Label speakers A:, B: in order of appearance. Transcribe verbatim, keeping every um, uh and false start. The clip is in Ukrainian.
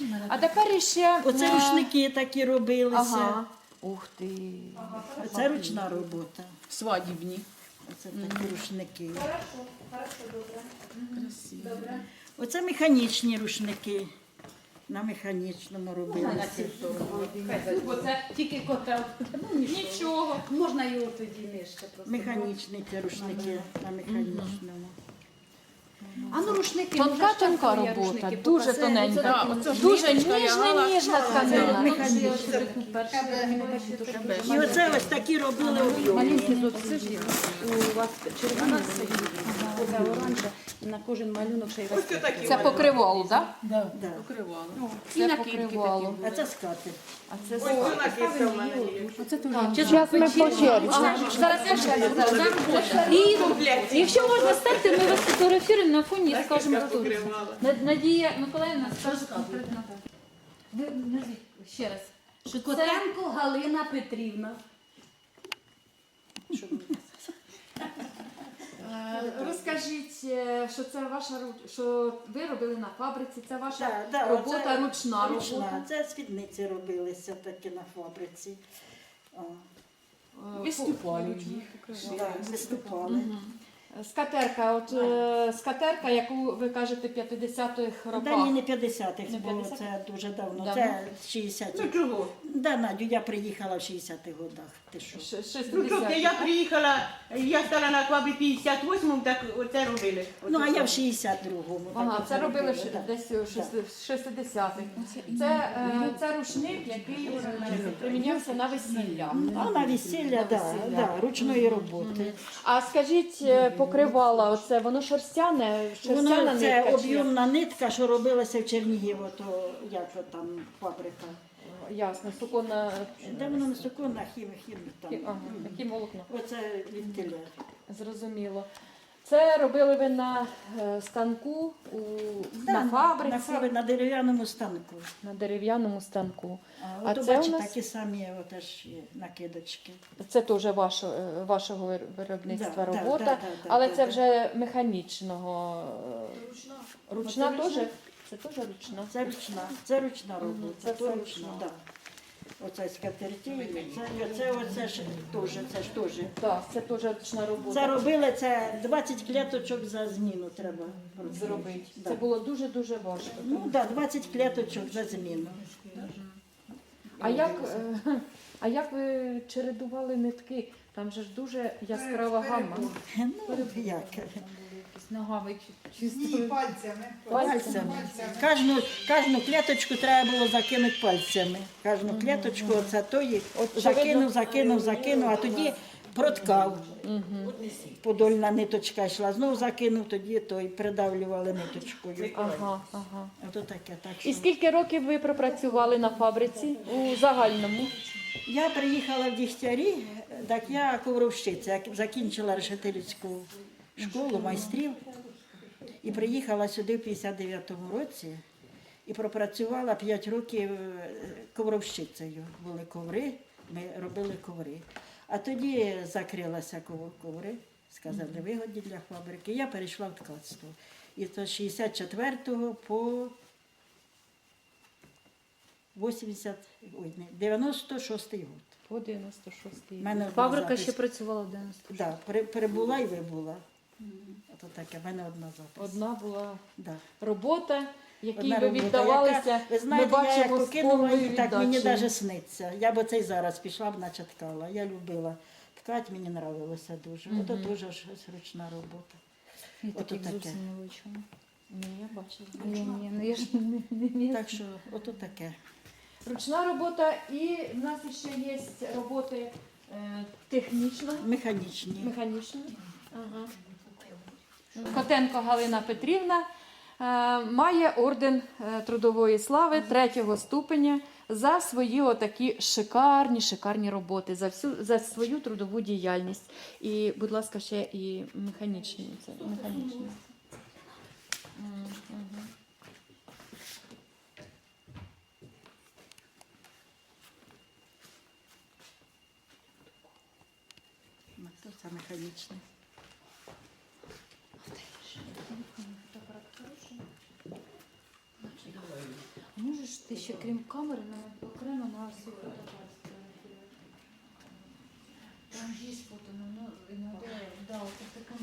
A: А тепер ще...
B: Оце
A: е,
B: рушники такі робилися.
A: Ага. Ух ти.
B: Це ручна робота.
C: Свадібні.
B: Оце такі рушники.
D: Хорошо, хорошо, добре.
C: Красиво.
D: Добре.
B: Оце механічні рушники. На механічному робилися.
C: Оце тільки котел.
D: Нічого, можна його тоді нижче просто.
B: Механічні ці рушники на механічному.
D: А ну рушники,
A: Тонка,
D: можеш так
A: тонка
D: я
A: робота,
D: рушники
A: дуже
D: показати?
A: тоненька.
C: Да, оце ж
A: Дуже
C: ниточка
A: ніжна,
C: лягала.
A: ніжна тканина.
B: Механічні. І оце ось такі робили об'ємні.
D: У вас червона сидить, оце оранжа, на кожен малюнок ще й
C: Ось такі
A: Це покривало, так?
B: Да.
C: покривало.
D: І
A: Це
D: накидки
A: покривало.
B: А це скати.
A: А це
C: Ось цю накидка в мене є.
A: Зараз ми по черзі. Зараз я ще зараз. І якщо можна стати, ми вас фотографуємо на фоні і скажемо, хто це. Над- Надія Миколаївна скаже конкретно. Ви назвіть ще раз. Що це
D: Котенко Галина Петрівна.
A: Е, розкажіть, е, що це ваша ру- що ви робили на фабриці, це ваша
B: Да, да,
A: робота,
B: оце
A: ручна робота.
B: Ручна. Це спідниці робилися такі на фабриці. О,
A: Е,
C: Виступали їх.
B: да, виступали.
A: Скатерка, от е, скатерка, яку ви кажете п'ятдесятих
B: Да,
A: роках.
B: ні, не п'ятдесятих
A: Не
B: було,
A: п'ятдесятих?
B: це дуже давно.
A: Давно?
B: Це шістдесятих.
C: Ну чого?
B: Да, Надю, я приїхала в шістдесятих годах. Ти що?
A: Ш-
C: Ну що,
A: шістдесятих.
C: я приїхала, я стала на квабі п'ятдесят восьмому, так оце робили.
B: Ну, а я в шістдесят другому.
A: Ага,
B: так
A: це
B: оце
A: робили в
B: робила,
A: ш-
B: да.
A: десь у шести- шестидесятих. Це, е, це рушник, який е, примінявся на весілля.
B: Ну, на весілля, да,
A: весілля.
B: да, ручної роботи.
A: А скажіть, е, покривала, оце воно шерстяне, шерстяна
B: Воно це
A: нитка? чи-
B: об'ємна нитка, що робилася в Чернігові, то як то там фабрика.
A: Ясно, суконна,
B: Де воно на суконах, хім, хім там.
A: ага, такі волокна.
B: Оце від теля.
A: Зрозуміло. Це робили ви на е, станку, у, на фабриці,
B: На, фабри, на дерев'яному станку.
A: на дерев'яному станку.
B: А,
A: А
B: ото,
A: це у
B: бачите,
A: нас-
B: такі самі теж є накидочки.
A: Це теж ваше, е, вашого вир- виробництва
B: Да, да,
A: робота,
B: да, да, да,
A: але
B: да,
A: це
B: да.
A: вже механічного. е,
D: Ручна.
A: Ручна
B: Оце
A: теж?
B: ручна.
A: Це теж ручна.
B: Це ручна, це ручна робота,
A: це
B: то
A: все
B: ручна,
A: ручна.
B: так. Оце скатерті, це, це, оце ж теж, це ж теж.
A: Так, це теж ручна робота.
B: Це робили, це двадцять клеточок за зміну треба
A: Зробити.
B: Да.
A: Це було дуже-дуже важко.
B: Ну так, да, двадцять клеточок за зміну.
A: А як, е, а як ви чередували нитки? Там же ж дуже яскрава гамма.
B: Ну, як?
A: Якісь ногами чи-
E: Ні,
A: чисто.
E: пальцями.
B: Пальцями. Кожну, кожну клеточку треба було закинути пальцями. Кожну клеточку, оце тої, закинув, закинув, закинув, а тоді проткав. Подольна ниточка йшла, знову закинув, тоді той придавлювали ниточкою.
A: Ага, ага.
B: Ото таке, так
A: І
B: що.
A: скільки років ви пропрацювали на фабриці у загальному?
B: Я приїхала в Дігтярі, так я ковровщиця, я закінчила решетилівську школу майстрів і приїхала сюди в п'ятдесят дев'ятому році і пропрацювала п'ять років е, ковровщицею. Були коври, ми робили коври. А тоді закрилася ков- коври, сказали, вигодні для фабрики. Я перейшла в ткацтво. І то з шістдесят четвертого по вісімдесят, ой, не, дев'яносто шостий год.
A: По дев'яносто шостий.
B: Мене одна
A: Фабрика
B: запись.
A: ще працювала в дев'яносто шостому.
B: Да, при- перебула і вибула. Ото таке, в мене одна запис.
A: Одна була
B: Да.
A: робота, якій
B: Одна
A: ви
B: робота,
A: віддавалися.
B: яка, ви знаєте,
A: ми
B: я як
A: бачимо з
B: покинула
A: повною
B: її, так мені
A: віддачею.
B: навіть сниться. Я б оце й зараз пішла б, наче ткала. Я любила ткати, мені подобалося дуже. Ото дуже ж ручна робота.
A: Я
B: Ото
A: таких
B: таке.
A: зовсім не вичула. Ні, я бачила. Ні, ні, ну я ж не, не вмію.
B: Так що, ото таке.
A: Ручна робота і в нас ще є роботи е, технічно,
B: Механічні.
A: механічно. Ага. Котенко Галина Петрівна е, має орден е, трудової слави третього ступеня за свої отакі шикарні, шикарні роботи, за всю за свою трудову діяльність. І, будь ласка, ще і механічні. Це механічні. М, мгм.
B: Ну, то це механічне.
A: Можеш можеш ти ще крім камери на окремо на всю фотографію? Там є фото, ну, ну, іноді, да, от така